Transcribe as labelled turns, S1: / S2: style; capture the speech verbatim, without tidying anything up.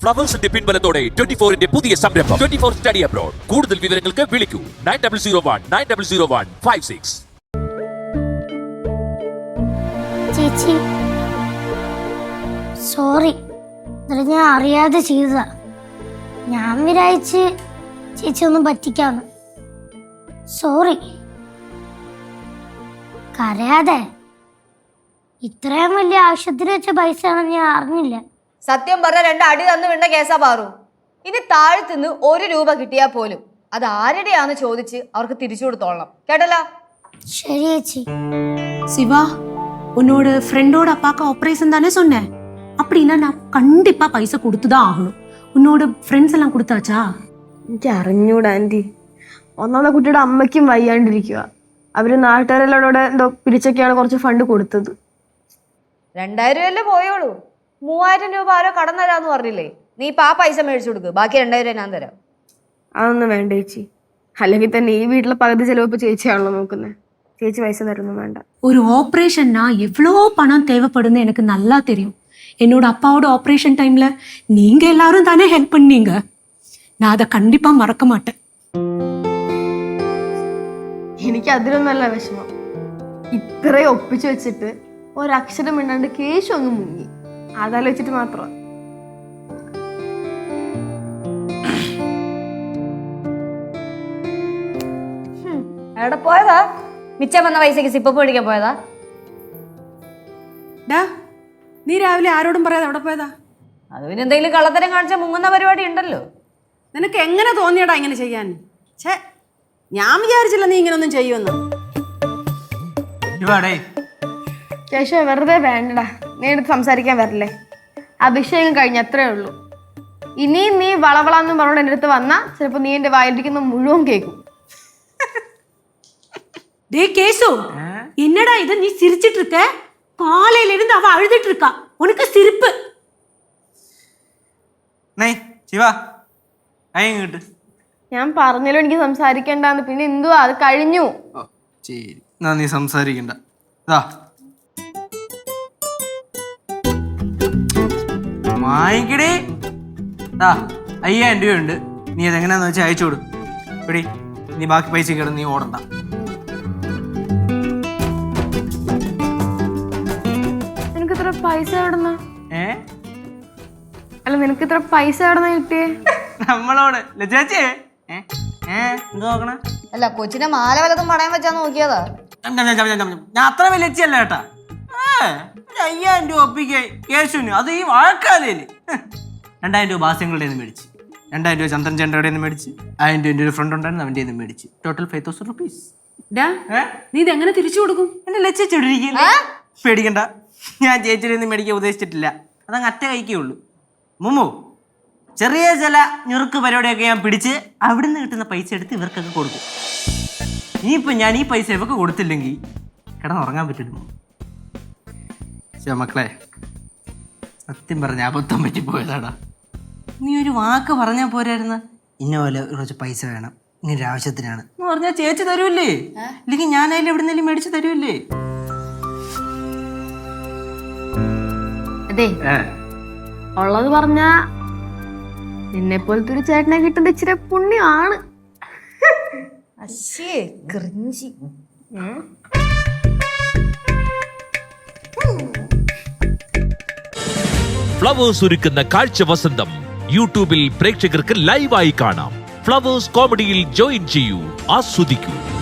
S1: ഫ്ലവേഴ്സിന്റെ പിൻബലത്തോടെ twenty ഫോറിന്റെ പുതിയ സംരംഭം ട്വന്റി ഫോർ സ്റ്റഡി അബ്രോഡ്. കൂടുതൽ വിവരങ്ങൾക്ക് വിളിക്കൂ nine double zero one nine double zero one five six.
S2: ചേച്ചി സോറി, ഞാൻ അറിയാതെ ചെയ്തതാ. ഞാൻ വിചാരിച്ച് ചേച്ചി ഒന്നും പറ്റിക്കാന്ന്. സോറി. കരയാതെ. ഇത്രയും വലിയ ആവശ്യത്തിന് വെച്ച പൈസ ആണെന്ന് ഞാൻ അറിഞ്ഞില്ല.
S3: സത്യം പറഞ്ഞ രണ്ട് അടി തന്നു വിണ്ട കേസാ പാറു. ഇനി താഴ്ത്തുനിന്ന് ഒരു രൂപ കിട്ടിയാൽ പോലും അത് ആരുടെയാന്ന് ചോദിച്ച് അവർക്ക് തിരിച്ചു കൊടുത്തോളണം, കേട്ടല്ലോ?
S2: ശരി ചേച്ചി.
S4: சிவா, உன்னோட ஃப்ரெண்டோட அப்பாக்கு ஆப்ரேஷன் தானே சொன்னேன். அப்படின்னா நான் கண்டிப்பா பைசா கொடுத்துதான் ஆகணும். உன்னோட ഫ്രണ്ട്സ് എല്ലാം കൊടുത്താച്ചാ?
S5: എനിക്ക് അറിഞ്ഞൂടാ ആന്റി. ഒന്നാമത്തെ കുട്ടിയുടെ അമ്മയ്ക്കും വയ്യാണ്ടിരിക്കുക. അവര് നാട്ടുകാരെല്ലാം എന്തോ പിരിച്ചൊക്കെയാണ് കുറച്ച് ഫണ്ട് കൊടുത്തത്.
S3: രണ്ടായിരം രൂപയല്ലേ പോയോളൂ. മൂവായിരം രൂപ ആരോ കടം തരാന്ന് പറഞ്ഞില്ലേ? നീ ഇപ്പൊ ആ പൈസ മേടിച്ചു കൊടുക്ക്, ബാക്കി രണ്ടായിരം രൂപ ഞാൻ തരാം.
S5: അതൊന്നും വേണ്ട ചേച്ചി. അല്ലെങ്കിൽ തന്നെ ഈ വീട്ടിലെ പകുതി ചെലവ് ചേച്ചിയാണല്ലോ നോക്കുന്നത്. ചേച്ചി പൈസ തരുന്നു വേണ്ട.
S4: ஒரு ஆப்ரேஷன்னா எவ்வளோ பணம் தேவைப்படுன்னு எனக்கு நல்லா தெரியும். என்னோட அப்பாவோட ஆப்ரேஷன் டைம்ல நீங்க எல்லாரும் தானே ஹெல்ப் பண்ணீங்க. நான் அதை கண்டிப்பா மறக்க மாட்டேன்.
S5: എനിക്ക് അതിലൊന്നല്ല വിഷമം. ഇത്രയും ഒപ്പിച്ചു വെച്ചിട്ട് ഒരക്ഷരം ഇണ്ടാണ്ട് കേശു അങ്ങ് മുങ്ങി. അതാലോചിച്ചിട്ട് മാത്രം.
S3: എവിടെ പോയതാ? മിച്ചം വന്ന പൈസക്ക് സിപ്പപ്പ് മേടിക്കാൻ പോയതാ?
S4: നീ രാവിലെ ആരോടും പറയാതെ അവിടെ പോയതാ?
S3: അത് പിന്നെ എന്തെങ്കിലും കള്ളത്തരം കാണിച്ചാൽ മുങ്ങുന്ന പരിപാടി ഉണ്ടല്ലോ.
S6: നിനക്ക് എങ്ങനെ തോന്നിയടാ ഇങ്ങനെ ചെയ്യാൻ? ഛേ, ഞാൻ വിചാരിച്ചില്ല നീ ഇങ്ങനൊന്നും ചെയ്യുമെന്ന്.
S5: കേശു വെറുതെ വേണ്ടടാ, നീ എടുത്ത് സംസാരിക്കാൻ വരില്ലേ? അഭിഷേകം കഴിഞ്ഞ അത്രേ ഉള്ളൂ. ഇനിയും നീ വളവളാന്ന് പറഞ്ഞോണ്ട് എൻ്റെ അടുത്ത് വന്നാ ചിലപ്പോ നീ എന്റെ വായിലിരിക്കുന്ന മുഴുവൻ കേൾക്കും.
S4: டே கேசு, என்னடா இது? நீ சிரிச்சிட்டு இருக்க? காலையில இருந்து அவ அழுதுட்டு இருக்கா. உனக்கு சிரிப்பு?
S5: ഞാൻ പറഞ്ഞാലും എനിക്ക് സംസാരിക്കണ്ടെന്ന്. പിന്നെ എന്തുവാ, അത് കഴിഞ്ഞു.
S7: നീ സംസാരിക്കണ്ട. വാങ്ങിക്കടേ, അയ്യായിരം രൂപയുണ്ട്. നീ അതെങ്ങനെയാന്ന് വെച്ചാൽ അയച്ചോട്. എടി, നീ ബാക്കി പൈസ കിടന്ന് നീ ഓടണ്ട.
S5: നിനക്ക് ഇത്ര പൈസ എവിടുന്ന? ഏ അല്ല, നിനക്ക് ഇത്ര പൈസ എവിടുന്ന കിട്ടിയേ?
S7: നമ്മളോട് ചേച്ചി നോക്കണ
S3: അല്ല, കൊച്ചിനെ മാല വലതും പണയം വെച്ചാ നോക്കിയതാ.
S7: ഞാൻ അത്ര വലിയ ലക്ഷ്യല്ല കേട്ടാ. അയ്യായിരം രൂപ ഒപ്പിക്കേ കേശുവിന്, അത് ഈ വാഴക്കാലയില്. രണ്ടായിരം രൂപ ബാസ്യങ്ങളുടെ നിന്ന് മേടിച്ച്, രണ്ടായിരം രൂപ ചന്ദ്രൻ ചേട്ടയുടെ നിന്ന് മേടിച്ച്, ആയിരം രൂപ എൻ്റെ ഒരു ഫ്രണ്ട് ഉണ്ടായിരുന്നു അവൻ്റെ നിന്ന് മേടിച്ച്, ടോട്ടൽ ഫൈവ് തൗസൻഡ് റുപ്പീസ്.
S4: നീ ഇത് എങ്ങനെ തിരിച്ചു കൊടുക്കും?
S7: എന്നെ ലക്ഷിച്ചിട്ടിരിക്കില്ലേ? പേടിക്കണ്ട, ഞാൻ ചേച്ചിയുടെ നിന്ന് മേടിക്കാൻ ഉദ്ദേശിച്ചിട്ടില്ല. അതങ്ങ് അറ്റ കൈക്കേ ഉള്ളൂ. മുമ്മു, ചെറിയ ചില ഞുറുക്ക് പരിപാടിയൊക്കെ ഞാൻ പിടിച്ച് അവിടുന്ന് കിട്ടുന്ന പൈസ എടുത്ത് ഇവർക്കൊക്കെ കൊടുക്കും. ഇനിയിപ്പോൾ ഞാൻ ഈ പൈസ ഇവർക്ക് കൊടുത്തില്ലെങ്കിൽ കിടന്നുറങ്ങാൻ പറ്റില്ല. മക്കളെ, സത്യം പറഞ്ഞ അബദ്ധം പറ്റിപ്പോയതാടാ. നീ ഒരു വാക്ക് പറഞ്ഞാൽ പോരായിരുന്ന, ഇന്ന പോലെ കുറച്ച് പൈസ വേണം, ഇങ്ങനെ ആവശ്യത്തിനാണ് എന്ന് പറഞ്ഞാൽ ചേച്ചി തരുമല്ലേ? ഇല്ലെങ്കിൽ ഞാനതിൽ എവിടുന്നേലും മേടിച്ച് തരുമല്ലേ?
S5: അതെ, ഉള്ളത് പറഞ്ഞാ നിന്നെ പോലത്തെ ഒരു ചേട്ടനെ കിട്ടുന്നത് ഇച്ചിരി പുണ്യമാണ്.
S1: ഫ്ലവേഴ്സ് ഒരുക്കുന്ന കാഴ്ച വസന്തം യൂട്യൂബിൽ പ്രേക്ഷകർക്ക് ലൈവായി കാണാം. ഫ്ലവേഴ്സ് കോമഡിയിൽ ജോയിൻ ചെയ്യൂ, ആസ്വദിക്കൂ.